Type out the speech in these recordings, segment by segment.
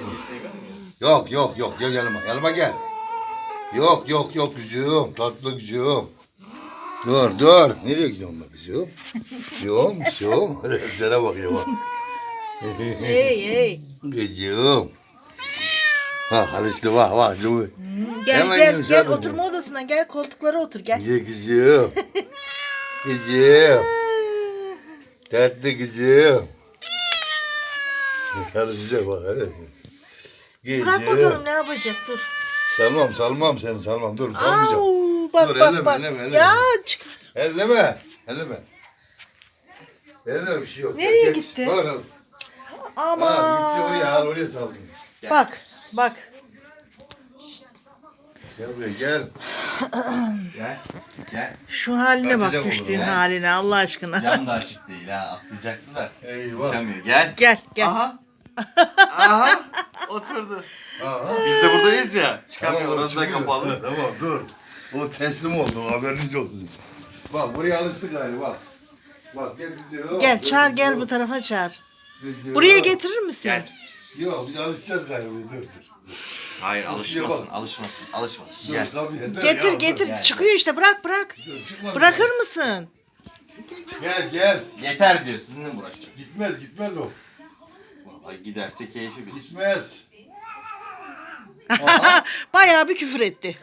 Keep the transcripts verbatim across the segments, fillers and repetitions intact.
Yok yok yok gel yanıma. Yanıma gel. Yok yok yok güzüm. Tatlı güzüm. Dur dur. Nereye gidiyorsun bak güzüm? Güzüm güzüm. Sana bakıyor bak. Hey hey. Güzüm. Ha alıştı bak bak. Hmm, gel hemen gel yumuşak gel oluyor. oturma odasına gel koltuklara otur gel. Gel güzüm. Güzüm. Tatlı kızım. Karışacak bak hadi. Bırak bakalım ne yapacak dur. Salmam salmam seni salmam dur salmayacağım. Au, bak Dur, bak elleme, bak. elleme, elleme. Ya çıkar. Elleme. Elleme. Elleme bir şey yok. Nereye Gel, gitti? Bak, al. Ama. Ha, gitti oraya al oraya saldınız. Bak bak. Gel buraya gel. Gel. Gel. Şu haline bak Kaçacak düştüğün olur, haline Allah aşkına. Cam da açık değil ha. Atlayacaktı da. Eyvah. Uçamıyor. Gel. Gel gel. Aha. Aha. Oturdu. Aha. Biz de buradayız ya. Çıkamıyor. Tamam, Orası da çıkıyor. kapalı. Tamam dur. O teslim oldu haberiniz olsun. Bak buraya alıştık galiba bak. Bak gel bizi yok. Gel çağır bizi gel yok. bu tarafa çağır. Bizi Buraya yok. getirir misin? Gel. Pis, pis, pis, Yok pis, biz pis. alışacağız galiba dur dur. Hayır alışmasın. bak. Alışmasın. Alışmasın. Dur, Gel. tabii, yeter Getir ya, getir gel, çıkıyor işte bırak bırak. Dur, dur, çıkmaz. Bırakır mısın? Gel gel. Yeter diyor. Sizinle mi uğraşacak? Gitmez gitmez o. Ay giderse keyfi bilir. Gitmez. Bayağı bir küfür etti.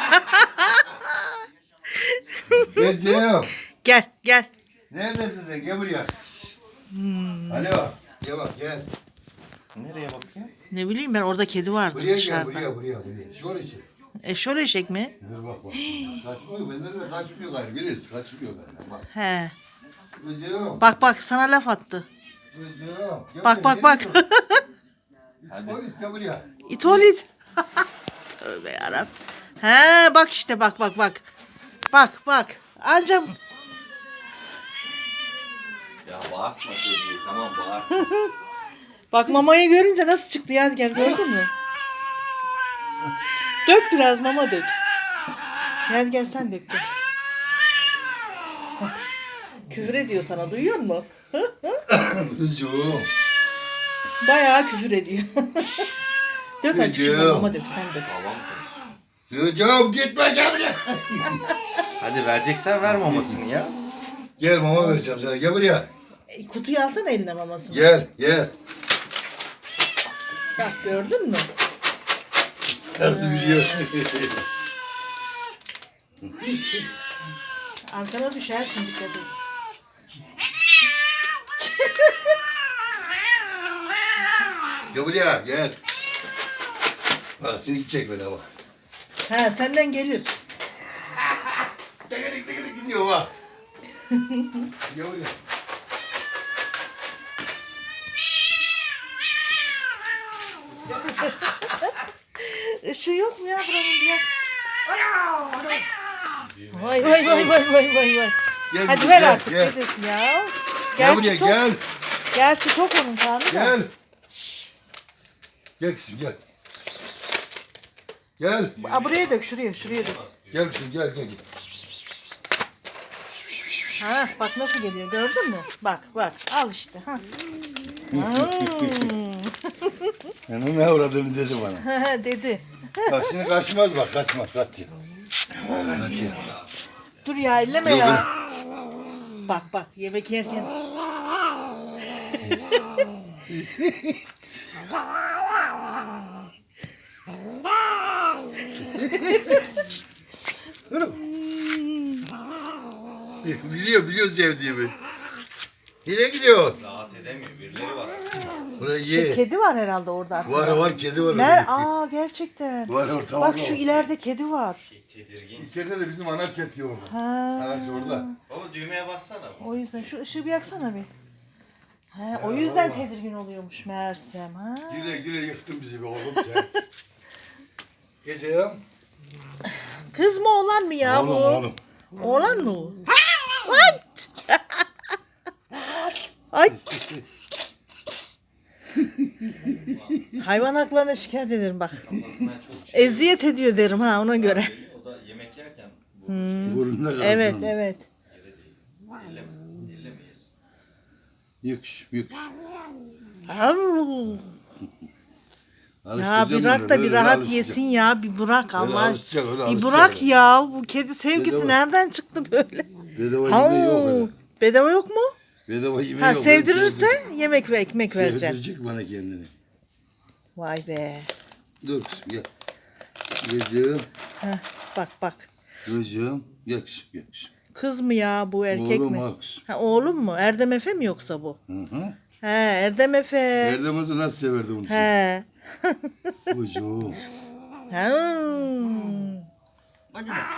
Gecem. Gel gel. Neredesin sen? Gel buraya. Hmm. Alo. Gel bak gel. Nereye bakıyor? Ne bileyim ben orada kedi vardı Buraya gel dışarıda. buraya buraya buraya. Şöyle şey. Eşol eşek mi? Dur bak bak. Kaçmıyor benden de kaçmıyor gayrı. Birisi kaçmıyor benden bak. He. Gecem. Bak bak sana laf attı. Gecem. Gel Bak buraya, bak bak. nereye gidiyorsun? Hadi. Oğlum, Gel buraya. İtolit. Tövbe yarabbim. He bak işte bak bak bak. Bak bak. Anca Ya bağırtma çocuğu. Tamam bağırtma. bak mamayı görünce nasıl çıktı Yadigar gördün mü? Dök biraz mama dök. Yadigar sen dök dök. Küfür ediyor sana duyuyor musun? Kızım. Bayağı küfür ediyor. Dök hadi şuna Kızım. mama dök sen dök. Babam konuşuyor. Kızım gitme gel buraya. Hadi vereceksen ver mamasını ya. Gel mama vereceğim sana. Gel buraya. E, kutuyu alsana eline mamasını. Gel gel. Bak gördün mü? Nasıl biliyor? Arkana düşersin dikkat et. Gel buraya gel. Bak şimdi gidecek bana bak. He senden gelir. Tekerik tekerik gidiyor bak. Gel buraya. Işığı yok mu ya buranın diye. Vay vay vay vay vay vay vay. Gel Hadi kızım, ver gel, artık gel. dedesin ya. Gel buraya Gerçi tok, gel. gerçi tok onun karnı da. Gel. Gel kızım gel. Gel. Aa, buraya dök şuraya şuraya dök. Gel kızım gel gel. gel. Ha bak nasıl geliyor gördün mü? Bak bak al işte. Ha. Hmm. Yani ne uğradığını dedi bana. Dedi. Bak şimdi kaçmaz bak kaçmaz kaç ya. Kaç ya. Dur ya elleme Yok, ya. Bak bak yemek yerken. Biliyor biliyor sevdiğimi. Nereye gidiyor? Rahat edemiyor. Birileri var. Buraya Şu ye. kedi var herhalde orada. arkada. Var var kedi var. Ner? orada. Aa gerçekten. Var orta Bak orada. şu ileride kedi var. Tedirgin. İçeride de bizim ana kedi orada. Ha. Anaç orada. Baba düğmeye bassana. O yüzden şu ışığı bir yaksana bir. He, o yüzden tedirgin oluyormuş meğersem. Ha. Güle güle yıktın bizi be oğlum sen. Geceyim. Kız mı oğlan mı ya Oğlum bu? oğlum. Oğlan mı o? Ay! Ay! Hayvan haklarına şikayet ederim bak. Kafasından çok şey. Eziyet ediyor derim ha ona göre. O da yemek yerken bu Burnunda kalsın. Evet evet. elleme. Ellemeyiz. Yüks yüks. Ya Alıştıracağım bir bırak onu, da öyle bir rahat alışacak. yesin ya. Bir bırak Allah. alışacak, öyle Bir alışacak bırak öyle. ya. Bu kedi sevgisi Bedava. nereden çıktı böyle? Bedava Ha, yemeği yok öyle. bedava yok mu? Bedava yemeği Ha yok. sevdirirse Sevdir- yemek ve ekmek vereceksin. Sevdirecek bana kendini. Vay be. Dur kızım gel. Gözüm. Heh, bak bak. Gözüm. Gel kızım gel kızım. Kız mı ya bu erkek Oğlum mi? al kızım. Ha, oğlum mu? Erdem Efe mi yoksa bu? Hı hı. He Erdem Efe. Erdem'imizi nasıl severdi bunu? He. Kuzum. Ha. Hadi bak.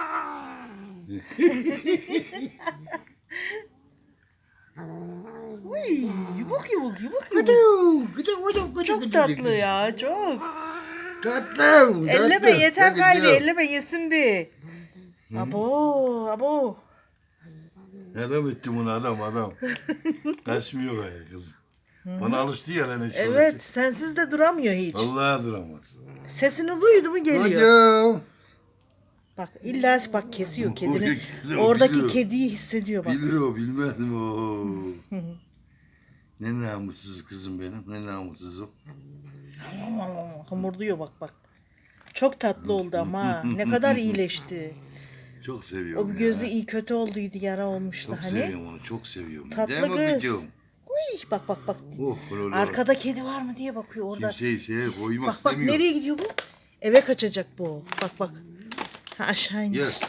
Uy, yubuk yubuk yubuk yubuk. Gıdım, gıdım, gıdım, gıdım, Çok gıdım, tatlı gıdım. ya çok. Tatlım. Elleme tatlım. yeter Bak kalbi kızım. elleme yesin bir. Abo abo. Adam ettim bunu adam adam. Kaçmıyor gayrı kızım. Bana alıştı ya lan. Evet sensiz de duramıyor hiç. Vallahi duramaz. Sesini duydu mu geliyor. Hocam. Bak illa bak kesiyor kedini. Orada kesiyor, Oradaki biliyor. kediyi hissediyor bak. Bilir o bilmez mi o? Ne namussuz kızım benim. Ne namussuz o. Hamurluyor bak bak. Çok tatlı oldu ama ne kadar iyileşti. Çok seviyorum O bir ya. gözü iyi kötü olduydu yara olmuştu Çok hani. seviyorum onu. Çok seviyorum. Tatlı Değil mi kız. kızım? Uy, bak bak bak. Oh, lolo. Arkada kedi var mı diye bakıyor orada. Kimseyi sevip koymak Bak bak istemiyor. nereye gidiyor bu? Eve kaçacak bu. Bak bak. Ha aşağı indi. Gel.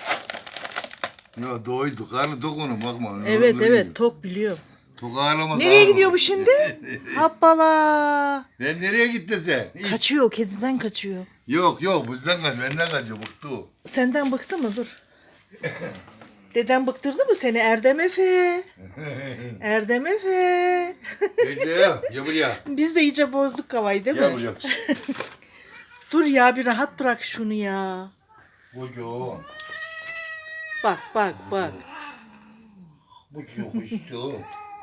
Ya doydu. Karnı tok onun bakma. Evet Öyle evet yiyor. tok biliyorum. Tok ağlamaz. Nereye ağlamaz. gidiyor bu şimdi? Hoppala. Ben nereye gitti sen? İç. Kaçıyor kediden kaçıyor. Yok yok bizden kaç. Benden kaçıyor. Bıktı o. Senden bıktı mı? Dur. Deden bıktırdı mı seni? Erdem Efe. Erdem Efe. Teyze gel buraya. Biz de iyice bozduk kavayı değil mi? Gel buraya. Dur ya bir rahat bırak şunu ya. Bucu. Bak bak bak. Bucu kuştu.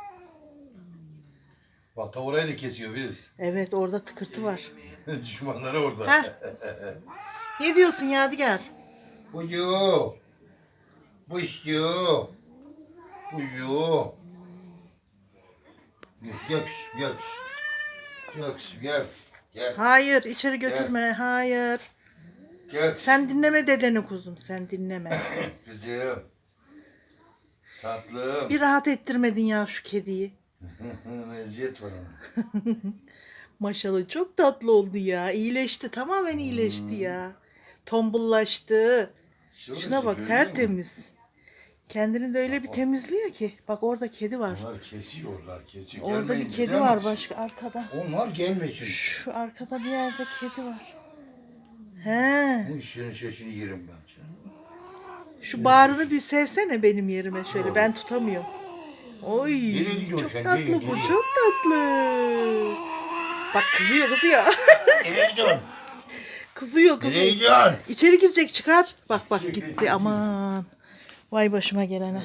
Bak ta orayı da kesiyor biz. Evet orada tıkırtı var. Düşmanları orada. Heh. Ne diyorsun Yadigar? Bucu. Bucu. Bucu. Gel kızım gel kızım. Gel kızım gel. Gel. Hayır içeri götürme. Hayır. Gel. Sen dinleme dedeni kuzum. Sen dinleme. Kızım. Tatlım. Bir rahat ettirmedin ya şu kediyi. Eziyet var ona. Maşallah çok tatlı oldu ya. İyileşti. Tamamen iyileşti ya. Tombullaştı. Şuna bak tertemiz. Kendini de öyle bir temizliyor ki. Bak orada kedi var. Onlar kesiyorlar, kesiyor. Orada Gelmeyin, bir kedi gidemez. var başka arkada. Onlar gelmesin. Şu arkada bir yerde kedi var. He. Bu işin şaşını yerim ben. Şu bağrını bir sevsene benim yerime şöyle. Ben tutamıyorum. Oy. Nereye gidiyorsun Çok sen? tatlı Nereye, bu. nereye? Çok tatlı. Bak kızıyor kızıyor. Nereye gidiyorsun? Kızıyor Nereye kızıyor. gidiyorsun? İçeri girecek çıkar. Bak bak gitti aman. Vay başıma gelene.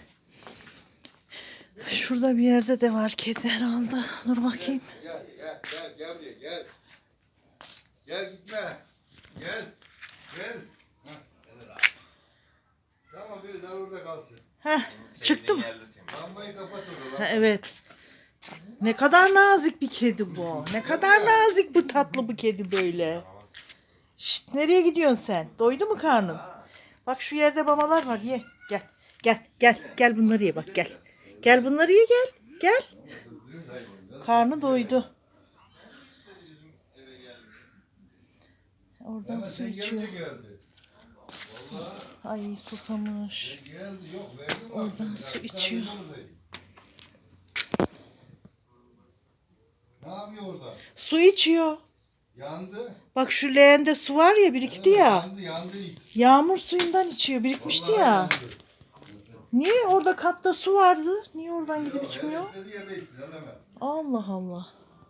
Şurada bir yerde de var kedi herhalde. Dur bakayım. Gel, gel, gel, gel buraya, gel. Gel gitme. Gel, gel. Hah, gel lan. Tamam, biraz daha orada kalsın. Heh, çıktı mı? Yerli temiz. Lambayı kapat o Ha, zaman. evet. Ne kadar nazik bir kedi bu. Ne kadar nazik bu tatlı bu kedi böyle. Şşt, nereye gidiyorsun sen? Doydu mu karnın? Bak şu yerde mamalar var ye. Gel. Gel gel gel bunları ye bak gel. Gel bunları ye gel. Gel. Karnı doydu. Oradan Ama su sen içiyor. gelince geldi. Ay susamış. Geldi, yok verdim bak. Oradan su içiyor. Ne yapıyor orada? Su içiyor. Yandı. Bak şu leğende su var ya birikti ya. Yandı, yandı. Yağmur suyundan içiyor birikmişti Vallahi ya. yandı. Niye orada kapta su vardı? Niye oradan gidip içmiyor? İstediği yerde içsin, öyle mi? Allah Allah.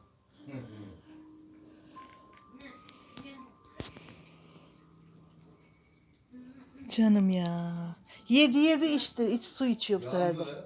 Canım ya. Yedi yedi içti. İç su içiyor bu sefer de. Yandı.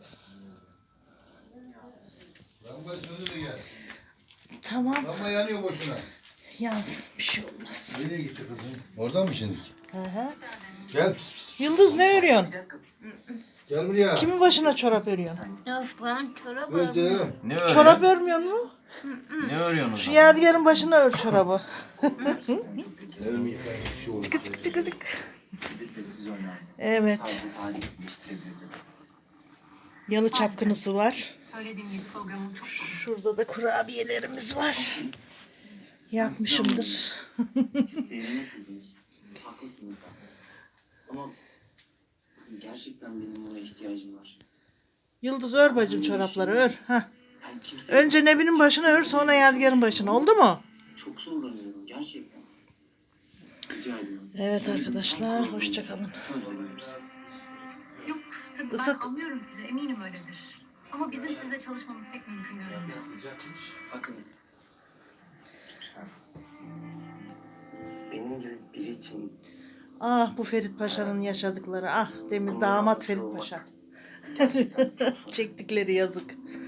Lamba söndü de gel. Tamam. Lamba yanıyor boşuna. Yansın bir şey olmaz. Nereye gitti kızım? Oradan mı şimdi? Hı hı. Gel. Pis, pis. Yıldız ne örüyorsun? Gel buraya. Kimin başına çorap örüyorsun? Yok ben çorap Kızım. Ne öyle? Çorap örmüyor mu? Ne örüyorsunuz? Şu Yadigar'ın başına ör çorabı. Gerçekten çok sevindim. Çıkı çıkı çıkı çıkı. Gidip de siz önemli. Evet. Sadece tarih değiştirebilirdim. Yalı çapkınısı var. Söylediğim gibi programım çok komik. Şurada da kurabiyelerimiz var. Yapmışımdır. Siz Seyran'ın kızınız. Haklısınız da. Ama gerçekten benim ona ihtiyacım var. Yıldız ör bacım çorapları ör. Hah. Yani kimse Önce Nebi'nin başına ör sonra Yadigar'ın başına. Oldu mu? çok zorlanıyorum gerçekten. Rica ediyorum. Evet arkadaşlar hoşçakalın. Söz veriyorum size. Yok tabii Isıt. ben anlıyorum sizi eminim öyledir. Ama bizim sizle çalışmamız pek mümkün görünmüyor. Bakın. Lütfen. Benim gibi biri için Ah bu Ferit Paşa'nın yaşadıkları. Ah demin damat Ferit Paşa. Çektikleri yazık.